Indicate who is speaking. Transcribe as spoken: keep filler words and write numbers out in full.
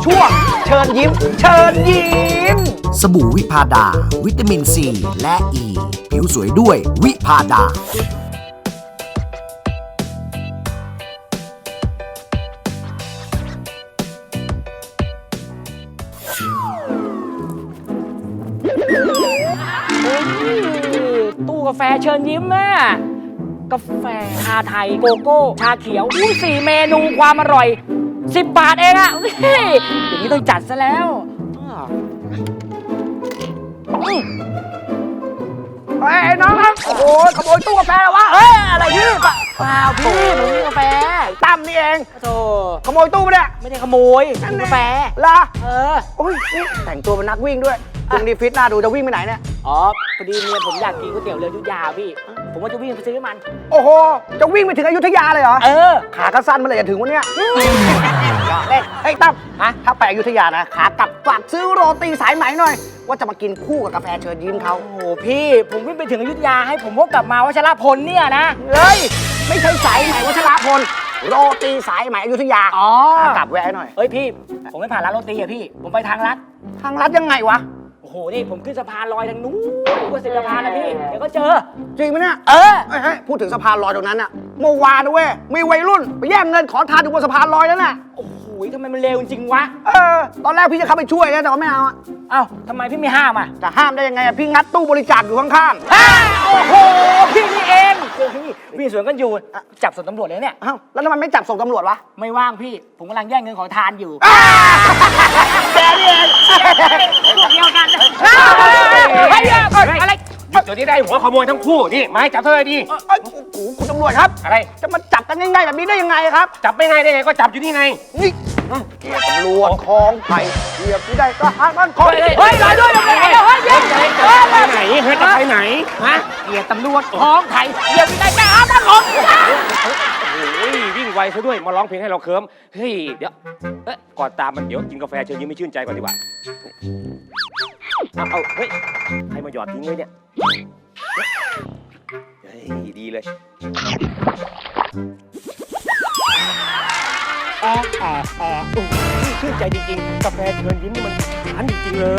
Speaker 1: ช่วงเชิญยิ้มเชิญยิ้ม
Speaker 2: สบู่วิพาดาวิตามินซีและอ e. ีผิวสวยด้วยวิพาดา
Speaker 3: ตู้กาแฟเชิญยิ้มแม่กาแฟชาไทยโกโก้ชาเขียวอุ้ยสี่เมนูความอร่อยสิบบาทเองอะเฮ้ยอย่างนี้ต้องจัดซะแล้วอืมเฮ้ยน้องครับโอ้โหขโมยตู้กาแฟวะเฮ้ยอะไรพี่เปล่าพี่ผมมีกาแฟตั้มนี่เองโธ่ขโมยตู้ปะเนี่ยไม่ได้ขโมยตู้กาแฟล่ะเออโอ้ยแต่งตัวเป็นนักวิ่งด้วยตรงนี้ฟิตหน้าดูจะวิ่งไปไหนเนี่ยอ๋อพอดีเมียผมอยากกินก๋วยเตี๋ยวเรืออยุธยาพี่ผมว่าจะวิ่งไปซื้อมันโอ้โหจะวิ่งไปถึงอยุธยาเลยเหรอเออขาก็สั้นมาเลยจะถึงวันเนี้ยเฮ้ยเฮ้ยตั้มฮะถ้าไปอยุธยานะขากลับฝากซื้อโรตีสายไหมหน่อยว่าจะมากินคู่กับกาแฟเชิญยิ้มเขาโอ้โหพี่ผมวิ่งไปถึงอยุธยาให้ผมพกกลับมาวัชรพลเนี่ยนะเฮ้ยไม่ใช่สายไหมวัชรพลโรตีสายไหมอยุธยาอ๋อกลับแวะหน่อยเฮ้ยพี่ผมไม่ผ่านร้านโรตีอะพี่ผมไปทางลัดทางลัดยังไงวะโอ้โหนี่ผมขึ้นสะพานลอยทางนู้นกว่าสิบสะพานนะพี่เดี๋ยวก็เจอจริงไหมเนี่ยเออเฮ้ยพูดถึงสะพานลอยตรงนั้นอะเมื่อวานนะเว้ยมีวัยรุ่นไปแย่งเงินขอทานอยู่บนสะพานลอยนั่นน่ะโอ้โหทำไมมันเร็วจริงวะเออตอนแรกพี่จะเข้าไปช่วยนะแต่ว่าไม่เอาอะเอ้าทำไมพี่ไม่ห้ามอ่ะจะห้ามได้ยังไงอะพี่งัดตู้บริจาคอยู่ข้างๆโอ้โหพี่นี่เองพี่สวนกันอยู่จับส่งตำรวจเลยเนี่ยเอ้าแล้วทำไมไม่จับส่งตำรวจวะไม่ว่างพี่ผมกำลังแย่งเงินขอทานอยู่แกนี่เองเดียวกันเฮ้ยอะไร
Speaker 4: จุดนี้ได้หัวขโมยทั้งคู่นี่ไม้จับเท่าไหร่ดี
Speaker 1: โอ้โหคุณตำรวจครับอะไรจะมาจับกันง่ายๆแบบนี้ได้ยังไงครับ
Speaker 4: จับไม่ง่ายได้ไงก็จับอยู่นี่ไง
Speaker 1: นี่ตำรวจคลองไผ่เหยียบที่ได้ก็หาบ้านคอยเฮ้ยรอด้วยนะเฮ้ยเฮ้ยเฮ้ย
Speaker 4: ไปไหนเฮ้ยจะไปไหนฮะ
Speaker 3: เหยียบตำรวจคลองไผ่เหยียบที่ได้ก็หาบ้านผม
Speaker 4: โอ้ยวิ่งไวซะด้วยมาร้องเพลงให้เราเคิร์มเฮ้ยเดี๋ยวเอ๊ะก่อนตามมันเดี๋ยวกินกาแฟเชิญยิ้มไม่ชื่นใจก่อนดีกว่าเอาเอาเฮ้ยใครมาหยอดทิ้งไว้เนี่ยเฮ้ยดีเลยแอะแอะแอะชื่นใจจริงๆกาแฟเชิญยิ้มนี่มันหวานจริงๆเลย